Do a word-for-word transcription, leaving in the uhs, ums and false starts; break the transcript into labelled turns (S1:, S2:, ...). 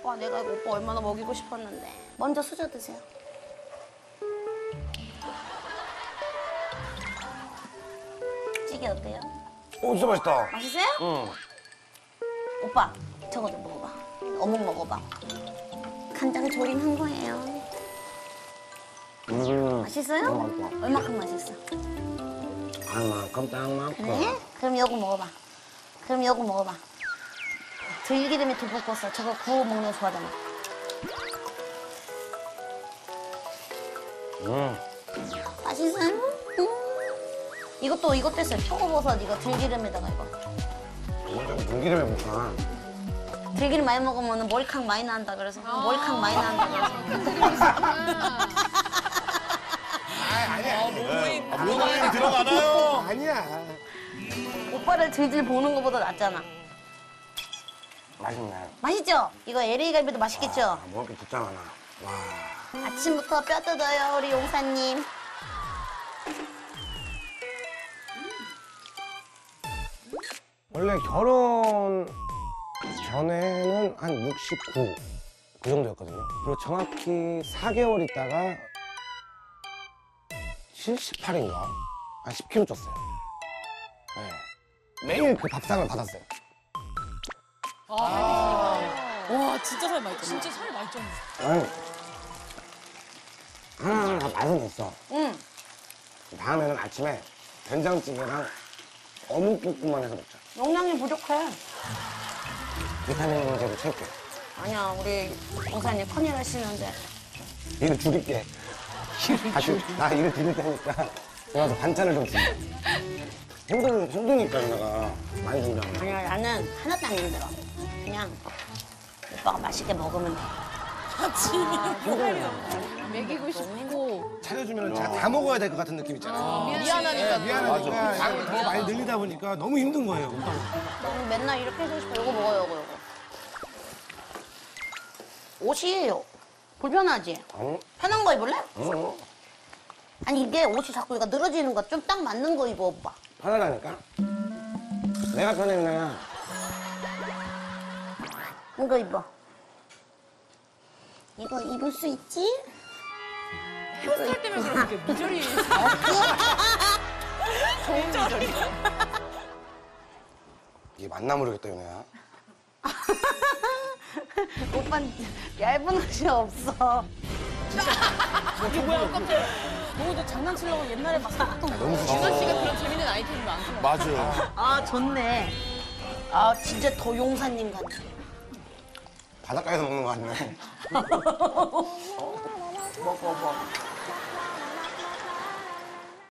S1: 오빠 내가 이거 오빠 얼마나 먹이고 싶었는데. 먼저 수저 드세요. 찌개 어때요?
S2: 오, 진짜 맛있다.
S1: 맛있어요?
S2: 응.
S1: 오빠 저거 좀 먹어봐. 어묵 먹어봐. 간장 조림한 거예요.
S2: 음.
S1: 맛있어요?
S2: 너무 맛있다.
S1: 얼마큼 맛있어?
S2: 얼마큼 딱 많고.
S1: 그래? 그럼 요거 먹어봐. 그럼 요거 먹어봐. 들기름에 두부 꽂어. 저거 구워 먹는 거 좋아하잖아.
S2: 음.
S1: 맛있어요? 음. 이것도 이것도 했어요. 표고버섯 이거 들기름에다가 이거.
S2: 먼저 물기름에 볶아.
S1: 들기름 많이 먹으면 머리카락 많이 난다 그래서 머리카락 많이 난다 그래서.
S3: 아, 모노에 들어가나요?
S2: 아니야.
S1: 오빠를 질질 보는 것보다 낫잖아.
S2: 맛있네.
S1: 맛있죠? 이거 엘에이 갈비도 맛있겠죠?
S2: 아, 먹을 게 진짜 많아. 와.
S1: 아침부터 뼈 뜯어요 우리 용사님.
S2: 원래 결혼 전에는 한 육십구 그 정도였거든요. 그리고 정확히 사 개월 있다가 칠십팔인가? 한 십 킬로그램 쪘어요. 네. 매일 그 밥상을 받았어요.
S4: 와 진짜 살 많이 쪘네. 진짜 살 많이 쪘네.
S2: 아니, 하나하나 다 맛은 있어.
S1: 응.
S2: 다음에는 아침에 된장찌개랑 어묵볶음만 해서 먹자.
S1: 용량이 부족해.
S2: 비타민제도 챙겨.
S1: 아니야 우리 용사님 큰일 하시는데.
S2: 일을 줄일게. 다시 나 일을 줄일 테니까 내가 서 반찬을 좀 줄게. 힘들, 힘드니까 내가 많이 준다는
S1: 아니야 나는 하나도 안 힘들어. 그냥 오빠가 맛있게 먹으면 돼.
S4: 먹이고 싶고
S5: 차려주면 다 먹어야 될 것 같은 느낌 있잖아요.
S4: 미안하니까.
S5: 네, 미안하니까 양을 더 많이 늘리다 보니까 너무 힘든 거예요.
S1: 너무 맨날 이렇게 해주고 싶어. 요거 먹어요 요거 요거. 옷이 불편하지?
S2: 어?
S1: 편한 거 입을래?
S2: 어?
S1: 아니 이게 옷이 자꾸 얘가 늘어지는 거 좀 딱 맞는 거 입어 오빠.
S2: 편하다니까? 내가 편해 그냥.
S1: 이거 입어. 이거 입을 수 있지?
S4: 헤어스타일 때문에 그렇게 미저리.
S2: 이게 맞나 모르겠다 윤혜야.
S1: 오빠는 얇은 옷이 없어.
S4: 이게 뭐야 깜짝이야. 너도 장난치려고 옛날에 막 샀던 거. 준하 씨가 그런 재밌는 아이템이 많구나.
S3: 맞아.
S1: 아 좋네. 아 진짜 더 용사님 같아.
S2: 바닷가에서 먹는 거 아니야?
S1: 먹어 먹어.